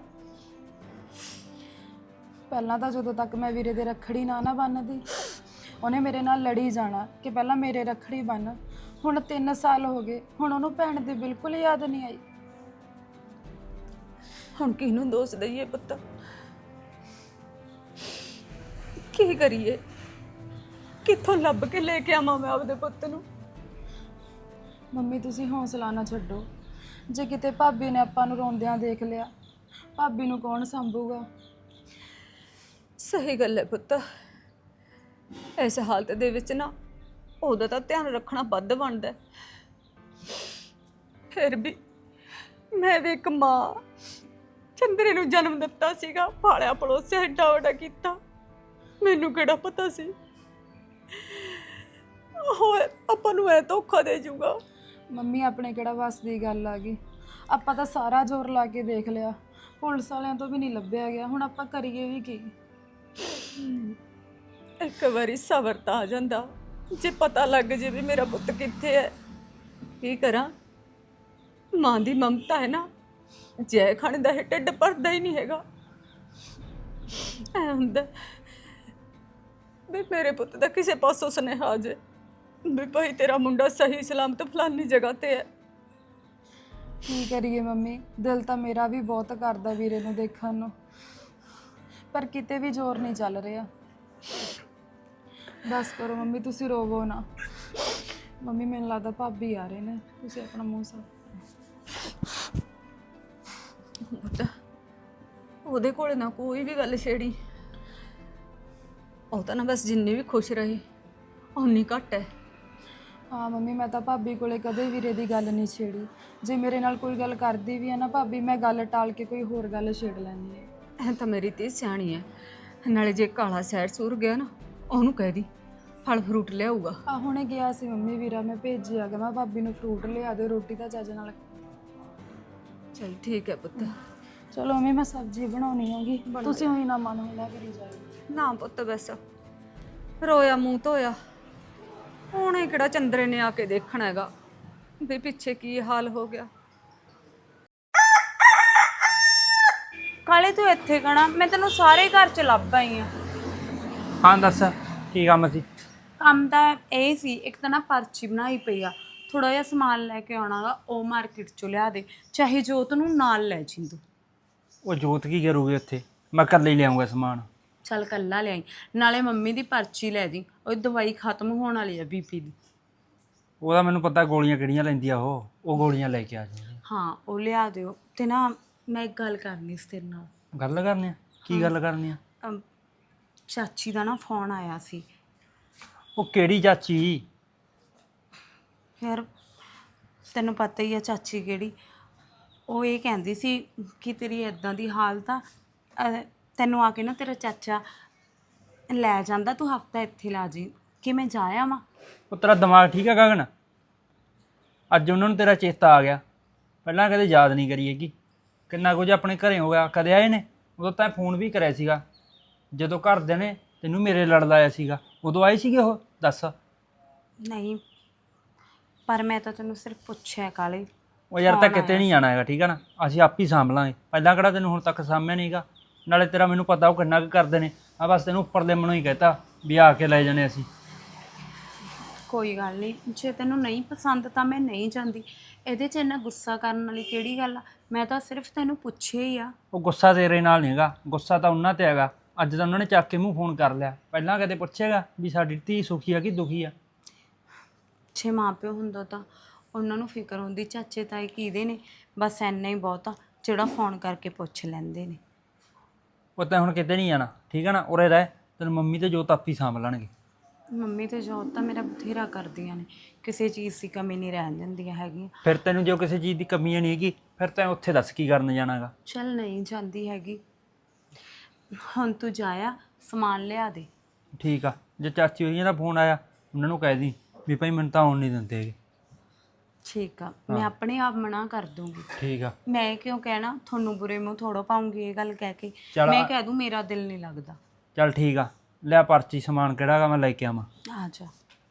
ਪਹਿਲਾਂ ਤਾਂ ਜਦੋਂ ਤੱਕ ਮੈਂ ਵੀਰੇ ਦੇ ਰੱਖੜੀ ਨਾ ਬੰਨ੍ਹਦੀ, ਉਹਨੇ ਮੇਰੇ ਨਾਲ ਲੜੀ ਜਾਣਾ ਕਿ ਪਹਿਲਾਂ ਮੇਰੇ ਰੱਖੜੀ ਬੰਨ੍ਹ। ਹੁਣ 3 ਸਾਲ ਹੋ ਗਏ, ਹੁਣ ਉਹਨੂੰ ਭੈਣ ਦੀ ਬਿਲਕੁਲ ਯਾਦ ਨਹੀਂ ਆਈ। ਹੁਣ ਕਿਹਨੂੰ ਦੋਸ਼ ਦਈਏ ਪੁੱਤ? ਕੀ ਕਰੀਏ? ਕਿੱਥੋਂ ਲੱਭ ਕੇ ਲੈ ਕੇ ਆਵਾਂ ਮੈਂ ਆਪਦੇ ਪੁੱਤ ਨੂੰ? ਮੰਮੀ ਤੁਸੀਂ ਹੌਸਲਾ ਨਾ ਛੱਡੋ। ਜੇ ਕਿਤੇ ਭਾਬੀ ਨੇ ਆਪਾਂ ਨੂੰ ਰੋਂਦਿਆਂ ਦੇਖ ਲਿਆ, ਭਾਬੀ ਨੂੰ ਕੌਣ ਸੰਭੂਗਾ? ਸਹੀ ਗੱਲ ਹੈ ਪੁੱਤ। ਇਸ ਹਾਲਤ ਦੇ ਵਿੱਚ ਨਾ ਉਹਦਾ ਤਾਂ ਧਿਆਨ ਰੱਖਣਾ ਵੱਧ ਬਣਦਾ। ਫਿਰ ਵੀ ਮੈਂ ਵੀ ਇੱਕ ਮਾਂ, ਚੰਦਰੇ ਨੂੰ ਜਨਮ ਦਿੱਤਾ ਸੀਗਾ, ਪਾਲਿਆ ਪਲੋਸਿਆ, ਏਡਾ ਵੱਡਾ ਕੀਤਾ। ਮੈਨੂੰ ਕਿਹੜਾ ਪਤਾ ਸੀ ਉਹ ਆਪਾਂ ਨੂੰ ਐ ਧੋਖਾ ਦੇ ਜੂਗਾ। ਮੰਮੀ ਆਪਣੇ ਕਿਹੜਾ ਵੱਸ ਦੀ ਗੱਲ ਆ ਗਈ? ਆਪਾਂ ਤਾਂ ਸਾਰਾ ਜ਼ੋਰ ਲਾ ਕੇ ਦੇਖ ਲਿਆ, ਪੁਲਿਸ ਵਾਲਿਆਂ ਤੋਂ ਵੀ ਨਹੀਂ ਲੱਭਿਆ ਗਿਆ। ਹੁਣ ਆਪਾਂ ਕਰੀਏ ਵੀ ਕੀ? ਇੱਕ ਵਾਰੀ ਸਬਰ ਤਾਂ ਆ ਜਾਂਦਾ, ਜੇ ਪਤਾ ਲੱਗ ਜੇ ਵੀ ਮੇਰਾ ਪੁੱਤ ਕਿੱਥੇ ਹੈ। ਕੀ ਕਰਾਂ? ਮਾਂ ਦੀ ਮਮਤਾ ਹੈ ਨਾ, ਜੈ ਖਾਣੇ ਦਾ ਇਹ ਢਿੱਡ ਭਰਦਾ ਹੀ ਨਹੀਂ ਹੈਗਾ। ਐ ਹੁੰਦਾ ਵੀ ਮੇਰੇ ਪੁੱਤ ਦਾ ਕਿਸੇ ਪਾਸੋਂ ਸੁਨੇਹਾ ਆ ਜੇ ਵੀ ਭਾਈ ਤੇਰਾ ਮੁੰਡਾ ਸਹੀ ਸਲਾਮਤ ਫਲਾਨੀ ਜਗ੍ਹਾ ਤੇ ਹੈ। ਕੀ ਕਰੀਏ ਮੰਮੀ, ਦਿਲ ਤਾਂ ਮੇਰਾ ਵੀ ਬਹੁਤ ਕਰਦਾ ਵੀਰੇ ਨੂੰ ਦੇਖਣ ਨੂੰ, ਪਰ ਕਿਤੇ ਵੀ ਜ਼ੋਰ ਨਹੀਂ ਚੱਲ ਰਿਹਾ। ਬਸ ਕਰੋ ਮੰਮੀ, ਤੁਸੀਂ ਰੋਵੋ ਨਾ। ਮੰਮੀ ਮੈਨੂੰ ਲੱਗਦਾ ਭਾਬੀ ਆ ਰਹੇ ਨੇ, ਤੁਸੀਂ ਆਪਣਾ ਮੂੰਹ ਸਾਫ਼। ਪੁੱਤ ਉਹਦੇ ਕੋਲ ਨਾ ਕੋਈ ਵੀ ਗੱਲ ਛੇੜੀ। ਉਹ ਤਾਂ ਨਾ ਬਸ ਜਿੰਨੀ ਵੀ ਖੁਸ਼ ਰਹੇ ਓਨੀ ਘੱਟ ਹੈ। ਹਾਂ ਮੰਮੀ, ਮੈਂ ਤਾਂ ਭਾਬੀ ਕੋਲੇ ਕਦੇ ਵੀਰੇ ਦੀ ਗੱਲ ਨਹੀਂ ਛੇੜੀ। ਜੇ ਮੇਰੇ ਨਾਲ ਕੋਈ ਗੱਲ ਕਰਦੀ ਵੀ ਹੈ ਨਾ ਭਾਬੀ, ਮੈਂ ਗੱਲ ਟਾਲ ਕੇ ਕੋਈ ਹੋਰ ਗੱਲ ਛੇੜ ਲੈਂਦੀ ਹੈ। ਐ ਤਾਂ ਮੇਰੀ ਧੀ ਸਿਆਣੀ ਹੈ। ਨਾਲੇ ਜੇ ਕਾਲਾ ਸੈਰ ਸੁਰ ਗਿਆ ਨਾ, ਉਹਨੂੰ ਕਹਿ ਦੀ ਫਲ ਫਰੂਟ ਲਿਆਊਗਾ। ਆ ਹੁਣੇ ਗਿਆ ਸੀ ਮੰਮੀ ਵੀਰਾ, ਮੈਂ ਭੇਜਿਆ ਗਾ, ਮੈਂ ਭਾਬੀ ਨੂੰ ਫਰੂਟ ਲਿਆ ਦੇ, ਰੋਟੀ ਤਾਂ ਚੱਜ ਨਾਲ। ਚਲ ਠੀਕ ਹੈ ਪੁੱਤ। ਚਲੋ ਮੰਮੀ ਮੈਂ ਸਬਜ਼ੀ ਬਣਾਉਣੀ ਹੈਗੀ, ਤੁਸੀਂ ਹੋਈ ਨਾ ਮਨ ਹੋਲਾ ਕਰੀ ਜਾਓ। ਨਾ ਪੁੱਤ ਬਸ ਰੋਇਆ ਮੂੰਹ ਧੋਇਆ, ਉਹਨੇ ਕਿਹੜਾ ਚੰਦਰੇ ਨੇ ਆ ਕੇ ਦੇਖਣਾ ਹੈਗਾ ਵੀ ਪਿੱਛੇ ਕੀ ਹਾਲ ਹੋ ਗਿਆ। ਕਾਲੇ ਤੂੰ ਇੱਥੇ ਕਣਾ, ਮੈਂ ਤੈਨੂੰ ਸਾਰੇ ਘਰ ਚ ਲੱਭ ਆਈ ਆ। ਹਾਂ ਦੱਸ ਕੀ ਕੰਮ ਸੀ? ਕੰਮ ਤਾਂ ਇਹ ਸੀ, ਇੱਕ ਤਾਂ ਨਾ ਪਰਚੀ ਬਣਾਈ ਪਈ ਆ, ਥੋੜਾ ਜਿਹਾ ਸਮਾਨ ਲੈ ਕੇ ਆਉਣਾਗਾ, ਉਹ ਮਾਰਕੀਟ ਚੋਂ ਲਿਆ ਦੇ, ਚਾਹੇ ਜੋਤ ਨੂੰ ਨਾਲ ਲੈ ਜਿੰਦੂ। ਉਹ ਜੋਤ ਕੀ ਕਰੂਗੀ ਉੱਥੇ? ਮੈਂ ਇਕੱਲੇ ਹੀ ਲਿਆਉਂਗਾ ਸਮਾਨ। ਚੱਲ ਕੱਲਾ ਲਿਆਈ, ਨਾਲੇ ਮੰਮੀ ਦੀ ਪਰਚੀ ਲੈ ਦੀ, ਉਹ ਦਵਾਈ ਖਤਮ ਹੋਣ ਵਾਲੀ ਆ ਬੀਪੀ ਦੀ। ਉਹਦਾ ਮੈਨੂੰ ਪਤਾ ਗੋਲੀਆਂ ਕਿਹੜੀਆਂ ਲੈਂਦੀ ਆ ਉਹ ਗੋਲੀਆਂ ਲੈ ਕੇ ਆ ਜਾਊਗੀ। ਹਾਂ ਉਹ ਲਿਆ ਦਿਓ। ਤੇ ਨਾ ਮੈਂ ਇੱਕ ਗੱਲ ਕਰਨੀ ਸੀ ਤੇਰੇ ਨਾਲ। ਗੱਲ ਕਰਨੀ ਆ? ਕੀ ਗੱਲ ਕਰਨੀ ਆ? ਚਾਚੀ ਦਾ ਨਾ ਫੋਨ ਆਇਆ ਸੀ। ਉਹ ਕਿਹੜੀ ਚਾਚੀ? ਯਾਰ ਤੈਨੂੰ ਪਤਾ ਹੀ ਆ ਚਾਚੀ ਕਿਹੜੀ। ਉਹ ਇਹ ਕਹਿੰਦੀ ਸੀ ਕਿ ਤੇਰੀ ਇਦਾਂ ਦੀ ਹਾਲਤ ਆ, ਤੈਨੂੰ ਆ ਕੇ ਨਾ ਤੇਰਾ ਚਾਚਾ ਲੈ ਜਾਂਦਾ, ਤੂੰ ਹਫਤਾ ਇੱਥੇ ਲਾ ਜੀ। ਕਿ ਮੈਂ ਜਾ ਆਵਾਂ? ਉਹ ਤੇਰਾ ਦਿਮਾਗ ਠੀਕ ਆ ਗਗਨ? ਅੱਜ ਉਹਨਾਂ ਨੂੰ ਤੇਰਾ ਚੇਤਾ ਆ ਗਿਆ, ਪਹਿਲਾਂ ਕਦੇ ਯਾਦ ਨਹੀਂ ਕਰੀ ਹੈਗੀ। ਕਿੰਨਾ ਕੁਝ ਆਪਣੇ ਘਰੇ ਹੋ ਗਿਆ, ਕਦੇ ਆਏ ਨੇ? ਉਦੋਂ ਤਾਂ ਫੋਨ ਵੀ ਕਰਿਆ ਸੀਗਾ ਜਦੋਂ ਘਰਦਿਆਂ ਨੇ ਤੈਨੂੰ ਮੇਰੇ ਲੜ ਲਾਇਆ ਸੀਗਾ, ਉਦੋਂ ਆਏ ਸੀਗੇ ਉਹ? ਦੱਸ। ਨਹੀਂ ਪਰ ਮੈਂ ਤਾਂ ਤੈਨੂੰ ਸਿਰਫ ਪੁੱਛਿਆ ਕਾਲੇ। ਉਹ ਯਾਰ ਤਾਂ ਕਿਤੇ ਨਹੀਂ ਜਾਣਾ ਹੈਗਾ, ਠੀਕ ਆ ਨਾ? ਅਸੀਂ ਆਪ ਹੀ ਸਾਂਭ ਲਾਂਗੇ। ਪਹਿਲਾਂ ਕਿਹੜਾ ਤੈਨੂੰ ਹੁਣ ਤੱਕ ਸਾਂਭਿਆ ਨਹੀਂਗਾ? ਨਾਲੇ ਤੇਰਾ ਮੈਨੂੰ ਪਤਾ ਉਹ ਕਿੰਨਾ ਕੁ ਕਰਦੇ ਨੇ। ਆ ਬਸ ਤੈਨੂੰ ਉੱਪਰਲੇ ਮਨੋਂ ਹੀ ਕਹਿਤਾ ਵੀ ਆ ਕੇ ਲੈ ਜਾਣੇ ਅਸੀਂ। ਕੋਈ ਗੱਲ ਨਹੀਂ, ਜੇ ਤੈਨੂੰ ਨਹੀਂ ਪਸੰਦ ਤਾਂ ਮੈਂ ਨਹੀਂ ਜਾਂਦੀ। ਇਹਦੇ 'ਚ ਇੰਨਾ ਗੁੱਸਾ ਕਰਨ ਵਾਲੀ ਕਿਹੜੀ ਗੱਲ ਆ? ਮੈਂ ਤਾਂ ਸਿਰਫ ਤੈਨੂੰ ਪੁੱਛਿਆ ਹੀ ਆ। ਉਹ ਗੁੱਸਾ ਤੇਰੇ ਨਾਲ ਨਹੀਂ ਹੈਗਾ, ਗੁੱਸਾ ਤਾਂ ਉਹਨਾਂ ਤੇ ਹੈਗਾ। ਅੱਜ ਤਾਂ ਉਹਨਾਂ ਨੇ ਚੱਕ ਕੇ ਮੂੰਹ ਫੋਨ ਕਰ ਲਿਆ, ਪਹਿਲਾਂ ਕਦੇ ਪੁੱਛੇਗਾ ਵੀ ਸਾਡੀ ਧੀ ਸੁਖੀ ਆ ਕਿ ਦੁਖੀ ਆ? ਛੇ ਮਾਂ ਪਿਓ ਹੁੰਦਾ ਤਾਂ ਉਹਨਾਂ ਨੂੰ ਫਿਕਰ ਹੁੰਦੀ, ਚਾਚੇ ਤਾਏ ਕਿਹਦੇ ਨੇ? ਬਸ ਇੰਨਾ ਹੀ ਬਹੁਤ ਆ ਜਿਹੜਾ ਫੋਨ ਕਰਕੇ ਪੁੱਛ ਲੈਂਦੇ ਨੇ। ਉਹ ਤਾਂ ਹੁਣ ਕਿਤੇ ਨਹੀਂ ਜਾਣਾ, ਠੀਕ ਆ ਨਾ? ਉਰੇ ਰਹਿ, ਤੈਨੂੰ ਮੰਮੀ ਤੇ ਜੋਤ ਆਪੀ ਸਾਂਭ ਲੈਣਗੇ। ਮੰਮੀ ਤੇ ਜੋਤ ਤਾਂ ਮੇਰਾ ਬਥੇਰਾ ਕਰਦੀਆਂ ਨੇ, ਕਿਸੇ ਚੀਜ਼ ਦੀ ਕਮੀ ਨਹੀਂ ਰਹਿਣ ਦਿੰਦੀਆਂ ਹੈਗੀਆਂ। ਫਿਰ ਤੈਨੂੰ ਜੋ ਕਿਸੇ ਚੀਜ਼ ਦੀ ਕਮੀ ਨਹੀਂ ਹੈਗੀ, ਫਿਰ ਤੈਂ ਉੱਥੇ ਦੱਸ ਕੀ ਕਰਨ ਜਾਣਾਗਾ? ਚੱਲ ਨਹੀਂ ਜਾਂਦੀ ਹੈਗੀ, ਹੁਣ ਤੂੰ ਜਾਇਆ ਸਮਾਨ ਲਿਆ ਦੇ। ਠੀਕ ਆ, ਜੇ ਚਾਚੀ ਹੋਈਆਂ ਦਾ ਫੋਨ ਆਇਆ ਉਹਨਾਂ ਨੂੰ ਕਹਿ ਦੀ ਵੀ ਭਾਈ ਮੈਨੂੰ ਤਾਂ ਆਉਣ ਨਹੀਂ ਦਿੰਦੇ ਹੈਗੇ। ਠੀਕ ਆ, ਮੈਂ ਆਪਣੇ ਆਪ ਮਨਾ ਕਰ ਦੂੰਗੀ। ਠੀਕ ਆ। ਮੈਂ ਕਿਉਂ ਕਹਿਣਾ, ਤੁਹਾਨੂੰ ਬੁਰੇ ਮੂੰਹ ਥੋੜੋ ਪਾਉਂਗੀ ਇਹ ਗੱਲ ਕਹਿ ਕੇ। ਚੱਲ ਮੈਂ ਕਹਿ ਦੂੰ ਮੇਰਾ ਦਿਲ ਨਹੀਂ ਲੱਗਦਾ। ਚੱਲ ਠੀਕ ਆ, ਲਿਆ ਪਰਚੀ, ਸਮਾਨ ਕਿਹੜਾ ਗਾ ਮੈਂ ਲੈ ਕੇ ਆਵਾਂ। ਆ ਜਾ।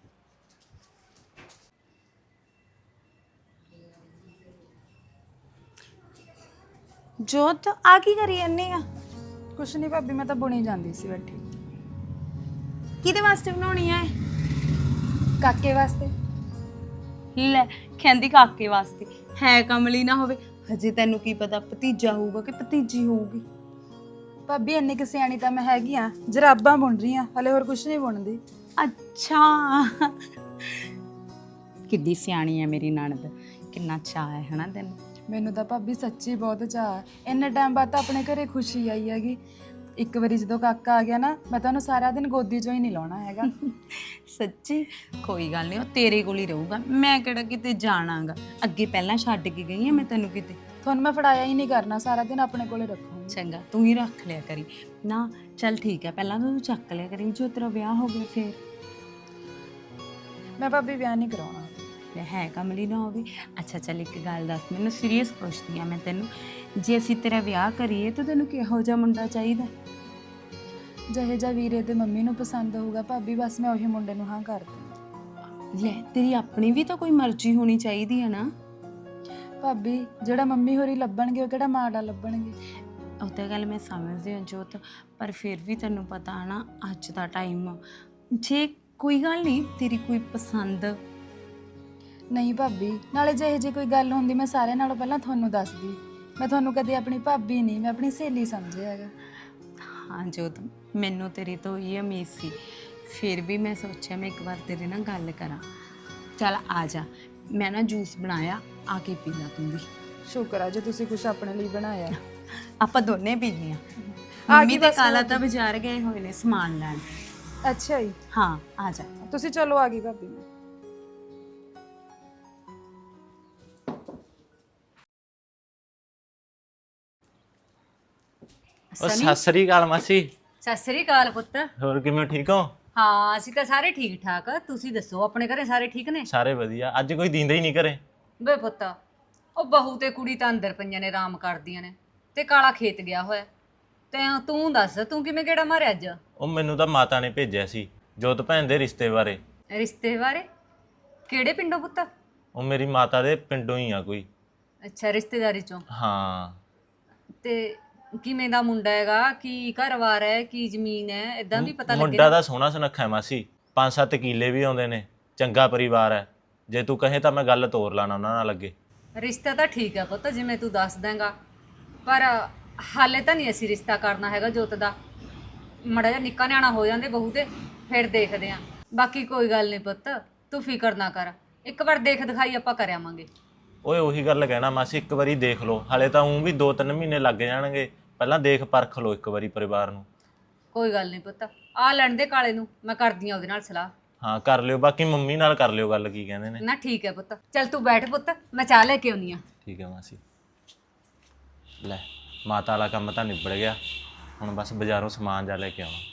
ਜੋਤ ਆ ਕੀ ਕਰੀ ਜਾਂਦੀ ਆ? ਕੁਛ ਨਹੀਂ ਭਾਬੀ, ਮੈਂ ਤਾਂ ਬੁਣੀ ਜਾਂਦੀ ਸੀ ਬੈਠੀ। ਕਿਹਦੇ ਵਾਸਤੇ ਬਣਾਉਣੀ ਆ? ਕਾਕੇ ਵਾਸਤੇ। ਲੈ ਕਹਿੰਦੀ ਕਾਕੇ ਵਾਸਤੇ, ਹੈ ਕਮਲੀ ਨਾ ਹੋਵੇ। ਹਜੇ ਤੈਨੂੰ ਕੀ ਪਤਾ ਭਤੀਜਾ ਹੋਊਗਾ ਕਿ ਭਤੀਜੀ ਹੋਊਗੀ। ਭਾਬੀ ਇੰਨੀ ਕੁ ਸਿਆਣੀ ਤਾਂ ਮੈਂ ਹੈਗੀ ਆ, ਜਰਾਬਾਂ ਬੁਣ ਰਹੀ ਆ, ਹਲੇ ਹੋਰ ਕੁਛ ਨਹੀਂ ਬੁਣਦੀ। ਅੱਛਾ ਕਿੱਡੀ ਸਿਆਣੀ ਹੈ ਮੇਰੀ ਨਣਦ, ਕਿੰਨਾ ਚਾਅ ਹੈ ਹਨਾ ਤੈਨੂੰ? ਮੈਨੂੰ ਤਾਂ ਭਾਬੀ ਸੱਚੀ ਬਹੁਤ ਚਾਅ। ਇੰਨੇ ਟਾਈਮ ਬਾਅਦ ਤਾਂ ਆਪਣੇ ਘਰੇ ਖੁਸ਼ੀ ਆਈ ਹੈਗੀ। ਇੱਕ ਵਾਰੀ ਜਦੋਂ ਕਾਕਾ ਆ ਗਿਆ ਨਾ, ਮੈਂ ਤਾਂ ਉਹਨੂੰ ਸਾਰਾ ਦਿਨ ਗੋਦੀ 'ਚੋਂ ਹੀ ਨਹੀਂ ਲਾਉਣਾ ਹੈਗਾ। ਸੱਚੀ? ਕੋਈ ਗੱਲ ਨਹੀਂ, ਉਹ ਤੇਰੇ ਕੋਲ ਹੀ ਰਹੂਗਾ। ਮੈਂ ਕਿਹੜਾ ਕਿਤੇ ਜਾਣਾਗਾ, ਅੱਗੇ ਪਹਿਲਾਂ ਛੱਡ ਕੇ ਗਈ ਹਾਂ ਮੈਂ ਤੈਨੂੰ ਕਿਤੇ। ਤੁਹਾਨੂੰ ਮੈਂ ਫੜਾਇਆ ਹੀ ਨਹੀਂ ਕਰਨਾ, ਸਾਰਾ ਦਿਨ ਆਪਣੇ ਕੋਲੇ ਰੱਖੂੰਗੀ। ਚੰਗਾ, ਤੂੰ ਹੀ ਰੱਖ ਲਿਆ ਕਰੀ ਨਾ। ਚੱਲ ਠੀਕ ਹੈ, ਪਹਿਲਾਂ ਤੂੰ ਚੱਕ ਲਿਆ ਕਰੀ, ਜੋ ਤੇਰਾ ਵਿਆਹ ਹੋ ਗਿਆ ਫੇਰ। ਮੈਂ ਭਾਬੀ ਵਿਆਹ ਨਹੀਂ ਕਰਾਉਣਾ। ਹੈ ਕਮਲੀ ਨਾ ਹੋਵੇ। ਅੱਛਾ ਚੱਲ ਇੱਕ ਗੱਲ ਦੱਸ, ਮੈਨੂੰ ਸੀਰੀਅਸ ਪੁੱਛਦੀ ਆ ਮੈਂ ਤੈਨੂੰ, ਜੇ ਅਸੀਂ ਤੇਰਾ ਵਿਆਹ ਕਰੀਏ ਤਾਂ ਤੈਨੂੰ ਕਿਹੋ ਜਿਹਾ ਮੁੰਡਾ ਚਾਹੀਦਾ? ਜਿਹੇ ਜਿਹਾ ਵੀਰੇ ਤੇ ਮੰਮੀ ਨੂੰ ਪਸੰਦ ਹੋਊਗਾ ਭਾਬੀ, ਬਸ ਮੈਂ ਉਹੀ ਮੁੰਡੇ ਨੂੰ ਹਾਂ ਕਰ ਦੂੰ। ਲੈ ਤੇਰੀ ਆਪਣੀ ਵੀ ਤਾਂ ਕੋਈ ਮਰਜ਼ੀ ਹੋਣੀ ਚਾਹੀਦੀ ਹੈ ਨਾ ਭਾਬੀ। ਜਿਹੜਾ ਮੰਮੀ ਹੋਰੀ ਲੱਭਣਗੇ ਉਹ ਕਿਹੜਾ ਮਾੜਾ ਲੱਭਣਗੇ? ਉਹ ਤਾਂ ਗੱਲ ਮੈਂ ਸਮਝਦੀ ਹਾਂ ਜੋਤ, ਪਰ ਫਿਰ ਵੀ ਤੈਨੂੰ ਪਤਾ ਹੈ ਨਾ ਅੱਜ ਦਾ ਟਾਈਮ। ਜੇ ਕੋਈ ਗੱਲ ਨਹੀਂ ਤੇਰੀ ਕੋਈ ਪਸੰਦ। ਨਹੀਂ ਭਾਬੀ, ਨਾਲੇ ਜੇ ਕੋਈ ਗੱਲ ਹੁੰਦੀ ਮੈਂ ਸਾਰਿਆਂ ਨਾਲੋਂ ਪਹਿਲਾਂ ਤੁਹਾਨੂੰ ਦੱਸਦੀ। ਮੈਂ ਤੁਹਾਨੂੰ ਕਦੇ ਆਪਣੀ ਭਾਬੀ ਨਹੀਂ, ਮੈਂ ਆਪਣੀ ਸਹੇਲੀ ਸਮਝਿਆ ਹੈਗਾ। ਹਾਂ ਜੋਤ, ਮੈਨੂੰ ਤੇਰੀ ਤੋਂ ਇਹ ਉਮੀਦ ਸੀ, ਫਿਰ ਵੀ ਮੈਂ ਸੋਚਿਆ ਮੈਂ ਇੱਕ ਵਾਰ ਤੇਰੇ ਨਾਲ ਗੱਲ ਕਰਾਂ। ਚੱਲ ਆ ਜਾ, ਮੈਂ ਨਾ ਜੂਸ ਬਣਾਇਆ, ਆ ਕੇ ਪੀ ਲਾ ਤੂੰ ਵੀ। ਸ਼ੁਕਰ ਆ ਜੇ ਤੁਸੀਂ ਕੁਝ ਆਪਣੇ ਲਈ ਬਣਾਇਆ। ਆਪਾਂ ਦੋਨੇ ਪੀਂਦੇ ਆ। ਮੰਮੀ ਤੇ ਕਾਲਾ ਤਾਂ ਬਾਜ਼ਾਰ ਗਏ ਹੋਏ ਨੇ ਸਮਾਨ ਲੈਣ। ਅੱਛਾ ਜੀ, ਹਾਂ ਆ ਜਾ। ਤੁਸੀਂ ਚਲੋ, ਆ ਗਈ ਭਾਬੀ। ਉਹ ਸਤਿ ਸ੍ਰੀ ਅਕਾਲ ਮਾਸੀ। ਸਤਿ ਸ੍ਰੀ ਅਕਾਲ ਪੁੱਤ। ਹੋਰ ਕਿਵੇਂ, ਠੀਕ ਹੋ? ਹਾਂ ਅਸੀਂ ਤਾਂ ਸਾਰੇ ਠੀਕ ਠਾਕ। ਤੁਸੀਂ ਦੱਸੋ ਆਪਣੇ ਘਰੇ ਸਾਰੇ ਠੀਕ ਨੇ? ਸਾਰੇ ਵਧੀਆ। ਅੱਜ ਕੋਈ ਦਿੰਦਾ ਹੀ ਨਹੀਂ ਘਰੇ। ਵੇ ਪੁੱਤ, ਉਹ ਬਹੂ ਤੇ ਕੁੜੀ ਤਾਂ ਅੰਦਰ ਪਈਆਂ ਨੇ, ਆਰਾਮ ਕਰਦੀਆਂ ਨੇ, ਤੇ ਕਾਲਾ ਖੇਤ ਗਿਆ ਹੋਇਆ। ਤੇ ਤੂੰ ਦੱਸ, ਤੂੰ ਕਿਵੇਂ ਗੇੜਾ ਮਾਰਿਆ ਅੱਜ? ਉਹ ਮੈਨੂੰ ਤਾਂ ਮਾਤਾ ਨੇ ਭੇਜਿਆ ਸੀ ਜੋਤ ਭੈਣ ਦੇ ਰਿਸ਼ਤੇ ਬਾਰੇ। ਰਿਸ਼ਤੇ ਬਾਰੇ? ਕਿਹੜੇ ਪਿੰਡੋਂ ਪੁੱਤ? ਉਹ ਮੇਰੀ ਮਾਤਾ ਦੇ ਪਿੰਡੋਂ ਹੀ ਆ ਕੋਈ। ਅੱਛਾ, ਰਿਸ਼ਤੇਦਾਰੀ ਚੋਂ। ਹਾਂ। ਤੇ ਕਿਵੇਂ ਦਾ ਮੁੰਡਾ ਹੈਗਾ? ਕੀ ਘਰ-ਬਾਰ ਹੈ? ਕੀ ਜ਼ਮੀਨ ਹੈ? ਇਦਾਂ ਵੀ ਪਤਾ ਲੱਗੇ। ਮੁੰਡਾ ਦਾ ਸੋਹਣਾ ਸੁਨੱਖਾ ਹੈ ਮਾਸੀ, 5-7 ਕਿੱਲੇ ਵੀ ਆਉਂਦੇ ਨੇ, ਚੰਗਾ ਪਰਿਵਾਰ ਹੈ। ਜੇ ਤੂੰ ਕਹੇ ਤਾਂ ਮੈਂ ਗੱਲ ਤੋਰ ਲਾਣਾ ਉਹਨਾਂ ਨਾਲ ਅੱਗੇ। ਰਿਸ਼ਤਾ ਤਾਂ ਠੀਕ ਹੈ ਪੁੱਤ, ਜਿਵੇਂ ਤੂੰ ਦੱਸ ਦੇਂਗਾ, ਪਰ ਹਾਲੇ ਤਾਂ ਨਹੀਂ ਅਸੀਂ ਰਿਸ਼ਤਾ ਕਰਨਾ ਹੈਗਾ ਜੋਤ ਦਾ। ਮੜਾ ਜਿਹਾ ਨਿੱਕਾ ਨਿਆਣਾ ਹੋ ਜਾਂਦੇ ਬਹੂ ਤੇ ਫਿਰ ਦੇਖਦੇ ਆਂ। ਬਾਕੀ ਕੋਈ ਗੱਲ ਨਹੀਂ ਪੁੱਤ, ਤੂੰ ਫਿਕਰ ਨਾ ਕਰ, ਇੱਕ ਵਾਰ ਦੇਖ ਦਿਖਾਈ ਆਪਾਂ ਕਰ ਆਵਾਂਗੇ। ਓਏ ਉਹੀ ਗੱਲ ਕਹਿਣਾ ਮਾਸੀ, ਇੱਕ ਵਾਰੀ ਦੇਖ ਲਓ, ਹਾਲੇ ਤਾਂ ਵੀ 2-3 ਮਹੀਨੇ ਲੱਗ ਜਾਣਗੇ, ਪਹਿਲਾਂ ਦੇਖ ਪਰਖ ਲਓ ਇੱਕ ਵਾਰੀ ਪਰਿਵਾਰ ਨੂੰ। ਕੋਈ ਗੱਲ ਨਹੀਂ ਪੁੱਤ, ਆ ਲੈਣ ਦੇ ਕਾਲੇ ਨੂੰ, ਮੈਂ ਕਰਦੀ ਆ ਉਹਦੇ ਨਾਲ ਸਲਾਹ। ਹਾਂ ਕਰ ਲਿਓ, ਬਾਕੀ ਮੰਮੀ ਨਾਲ ਕਰ ਲਿਓ ਗੱਲ, ਕੀ ਕਹਿੰਦੇ ਨੇ। ਨਾ ਠੀਕ ਹੈ ਪੁੱਤ, ਚੱਲ ਤੂੰ ਬੈਠ ਪੁੱਤ, ਮੈਂ ਚਾਹ ਲੈ ਕੇ ਆਉਣੀ ਆ। ਠੀਕ ਹੈ ਮਾਸੀ। ਲੈ ਮਾਤਾ ਵਾਲਾ ਕੰਮ ਤਾਂ ਨਿਬੜ ਗਿਆ, ਹੁਣ ਬਸ ਬਾਜ਼ਾਰੋਂ ਸਮਾਨ ਜਾ ਲੈ ਕੇ ਆਉਣਾ।